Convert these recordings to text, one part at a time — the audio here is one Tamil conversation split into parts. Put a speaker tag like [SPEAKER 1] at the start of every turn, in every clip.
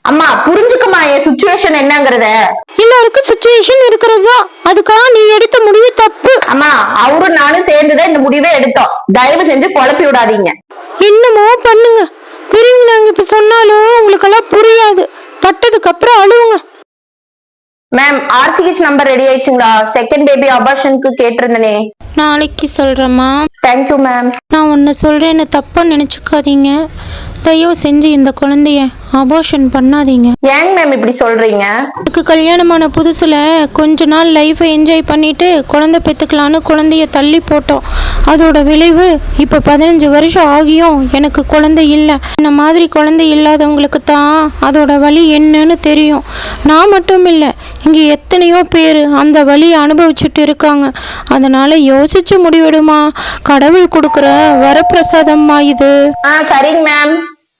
[SPEAKER 1] அம்மா புரிஞ்சுக்கமா என் சுச்சுவேஷன் என்னங்கறத.
[SPEAKER 2] எல்லாருக்கும் சுச்சுவேஷன் இருக்கிறதா, அதுக்காக நீ எடுத்த முடிவு தப்பு.
[SPEAKER 1] அம்மா அவரும் நானும் சேர்ந்துதான் இந்த முடிவே எடுத்தோம். தயவு செஞ்சு குழப்பி விடாதீங்க.
[SPEAKER 2] என்னமோ பண்ணுங்க, பெரியவங்க நாங்க இப்ப சொன்னாலும் உங்களுக்கெல்லாம் புரியாது. பட்டதுக்கு அப்புறம் அழுவுங்க.
[SPEAKER 1] மேம் ஆர்சிஹெச் நம்பர் ரெடி ஆயிடுச்சுங்களா? செகண்ட் பேபி அபார்ஷனுக்கு கேட்டிருந்தனே.
[SPEAKER 2] நாளைக்கு சொல்றேம்மா.
[SPEAKER 1] Thank you ma'am.
[SPEAKER 2] நான் ஒன்னு சொல்றேன்னு தப்பா நினைச்சுக்காதீங்க. தயவு செஞ்சு இந்த குழந்தைய அபார்ஷன் பண்ணாதீங்க.
[SPEAKER 1] ஏங்க மேம் இப்படி சொல்றீங்க?
[SPEAKER 2] எனக்கு கல்யாணமான புதுசுல கொஞ்ச நாள் லைஃபை என்ஜாய் பண்ணிட்டு குழந்தை பெற்றுக்கலான்னு குழந்தைய தள்ளி போட்டோம். அதோட விளைவு இப்போ 15 வருஷம் ஆகியும் எனக்கு குழந்தை இல்லை. இந்த மாதிரி குழந்தை இல்லாதவங்களுக்கு தான் அதோட வலி என்னன்னு தெரியும். நான் மட்டும் இல்லை, இங்கே எத்தனையோ பேர் அந்த வலியை அனுபவிச்சுட்டு இருக்காங்க. அதனால யோசிச்சு முடிவெடுமா. கடவுள் கொடுக்குற வரப்பிரசாதம்மா இது.
[SPEAKER 1] சரிங்க மேம்.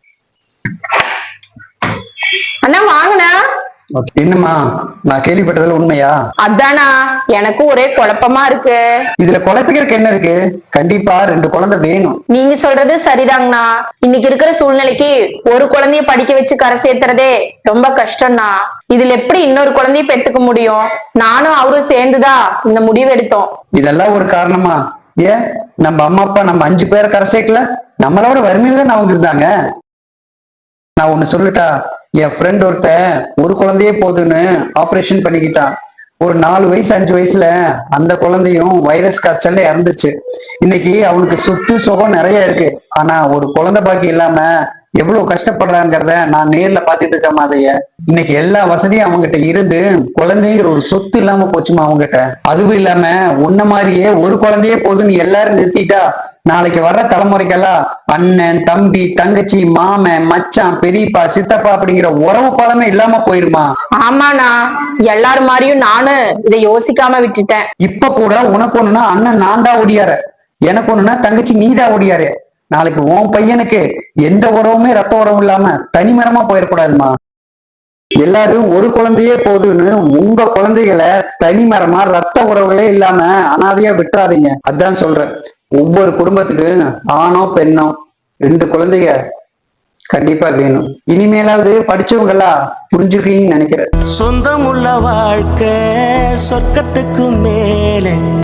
[SPEAKER 1] அண்ணா வாங்கண்ணா.
[SPEAKER 3] என்னம்மா, நான் கேள்விப்பட்டதுல உண்மையா?
[SPEAKER 1] அதானா எனக்கும் ஒரே குழப்பமா இருக்கு.
[SPEAKER 3] இதுல குழப்பிக்கிறதுக்கு என்ன இருக்கு? கண்டிப்பா 2 குழந்தை வேணும்.
[SPEAKER 1] நீங்க சொல்றது சரிதாங்கண்ணா. இன்னைக்கு இருக்கிற சூழ்நிலைக்கு ஒரு குழந்தைய படிக்க வச்சு கரை சேர்த்துறதே ரொம்ப கஷ்டம்னா. இதுல எப்படி இன்னொரு குழந்தைய பெத்துக்க முடியும்? நானும் அவரும் சேர்ந்துதான் இந்த முடிவு எடுத்தோம்.
[SPEAKER 3] இதெல்லாம் ஒரு காரணமா? ஏன் நம்ம அம்மா அப்பா நம்ம 5 பேரை கரை சேர்க்கல? நம்மளோட வறுமையில தான் அவங்க இருந்தாங்க. நான் ஒண்ணு சொல்லட்டா, என் ஃப்ரெண்ட் ஒருத்தன் ஒரு குழந்தையே போதுன்னு ஆபரேஷன் பண்ணிக்கிட்டான். ஒரு 4 வயசு 5 வயசுல அந்த குழந்தையும் வைரஸ் காய்ச்சல்ல இறந்துச்சு. இன்னைக்கு அவனுக்கு சொத்து சுகம் நிறைய இருக்கு. ஆனா ஒரு குழந்தை பாக்கி இல்லாம எவ்வளவு கஷ்டப்படுறாங்கிறத நான் நேர்ல பாத்துட்டு இருக்க மாதிரிய. இன்னைக்கு எல்லா வசதியும் அவங்ககிட்ட இருந்து குழந்தைங்கிற ஒரு சொத்து இல்லாம போச்சுமா அவங்ககிட்ட. அதுவும் இல்லாம உன்ன மாதிரியே ஒரு குழந்தையே போதுன்னு எல்லாரும் நிறுத்திட்டா நாளைக்கு வர்ற தலைமுறைக்கெல்லாம் அண்ணன் தம்பி தங்கச்சி மாமன் மச்சான் பெரியப்பா சித்தப்பா அப்படிங்கிற உறவு பாலமே இல்லாம போயிருமா.
[SPEAKER 1] ஆமாண்ணா, எல்லாரும் மாதிரியும் நானும் இதை யோசிக்காம விட்டுட்டேன்.
[SPEAKER 3] இப்ப கூட உனக்கு ஒண்ணுன்னா அண்ணன் நான் தான் ஓடியாரு, எனக்கு ஒண்ணுன்னா தங்கச்சி நீதான் ஓடியாரு. நாளைக்கு உன் பையனுக்கு எந்த உறவுமே ரத்த உறவு இல்லாம தனிமரமா போயிடக்கூடாதுமா. எல்லாரும் ஒரு குழந்தையே போதுன்னு உங்க குழந்தைகளை தனிமரமா ரத்த உறவுகளே இல்லாம அனாதையா விட்டுறாதீங்க. அதான் சொல்றேன், ஒவ்வொரு குடும்பத்துக்கு ஆணோ பெண்ணோ 2 குழந்தைங்க கண்டிப்பா வேணும். இனிமேலாவது படிச்சவங்களா புரிஞ்சுக்கீங்கன்னு நினைக்கிறேன்.
[SPEAKER 4] சொந்தமுள்ள வாழ்க்கை சொர்க்கத்துக்கு மேலே.